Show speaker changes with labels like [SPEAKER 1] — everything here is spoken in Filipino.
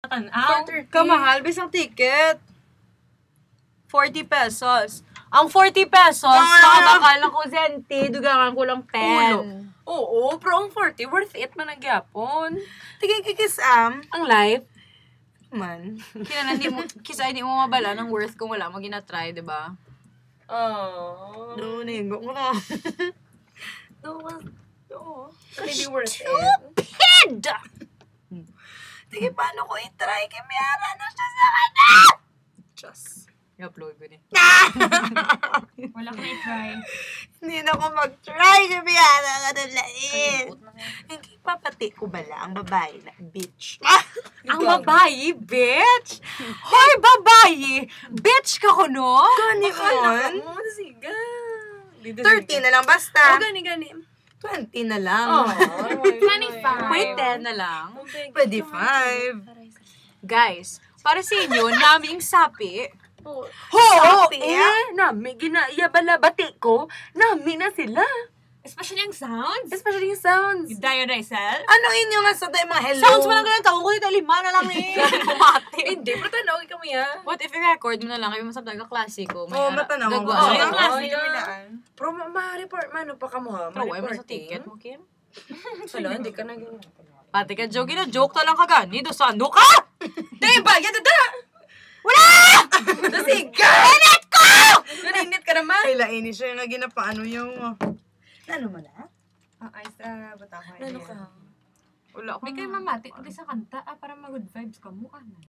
[SPEAKER 1] Tanaw.
[SPEAKER 2] Kamahal, bisang ticket. 40 pesos. Ang 40 pesos, nakabakal ng kusenti, dugangan ko lang pen.
[SPEAKER 1] Oo, pero ang 40, worth it man ang gyapon.
[SPEAKER 2] Tigay-kikisam.
[SPEAKER 1] Ang life.
[SPEAKER 2] Man. Kisa hindi mo mabala ng worth kung wala mo ginatry, diba?
[SPEAKER 1] Oh.
[SPEAKER 2] No, nigo ko na.
[SPEAKER 1] No. Hindi worth it.
[SPEAKER 2] Stupid! Sige, paano ko i-try? Kimiyara na siya sa kanya! Diyos. I-upload ko din.
[SPEAKER 1] Wala ko na-try.
[SPEAKER 2] Hindi na ako mag-try. Kimiyara ka na lain. Hindi papati ko bala ang babae na bitch. Ang babae, bitch? Hoy, babae! Bitch ka ko, no? Gani on?
[SPEAKER 1] Siga.
[SPEAKER 2] 30 na lang basta.
[SPEAKER 1] Gani.
[SPEAKER 2] 20 na lang.
[SPEAKER 1] 25.
[SPEAKER 2] Wait, 10 na lang. 25. Guys, para sa inyo, naming sapi.
[SPEAKER 1] Sapi,
[SPEAKER 2] nami, ginayabala-bati ko. Nami na sila.
[SPEAKER 1] Especially yung sounds.
[SPEAKER 2] Especially yung sounds.
[SPEAKER 1] You die or die self?
[SPEAKER 2] Ano inyo nga sa mga hello?
[SPEAKER 1] Sounds mo lang ganun, taong ko dito, 5 na lang eh. Bumati. Hindi, pero tanaw ka mo yan.
[SPEAKER 2] What if i-record mo na lang, kayo masabdag ka klasiko.
[SPEAKER 3] Oo, matanaw mo.
[SPEAKER 2] Gagawa.
[SPEAKER 1] yung
[SPEAKER 3] klase
[SPEAKER 1] Pero ma-report, mano pa ka mo ha?
[SPEAKER 2] Pero why mo sa ticket mo, Kim?
[SPEAKER 1] Wala, hindi ka naging...
[SPEAKER 2] Pati ka, joke na joke na lang ka gani. Do sa ano ka?
[SPEAKER 1] Diba, yan na!
[SPEAKER 2] Wala!
[SPEAKER 1] Nasiga!
[SPEAKER 2] Init ko!
[SPEAKER 1] Naninit ka naman.
[SPEAKER 3] Kailaini siya yung ginapaano yung...
[SPEAKER 2] Ano mo na?
[SPEAKER 3] Ay, sa batakoy.
[SPEAKER 1] Ano ka?
[SPEAKER 2] Wala ako.
[SPEAKER 1] May kayo mamati, hindi sa kanta, para mag-good vibes ka mo, ano?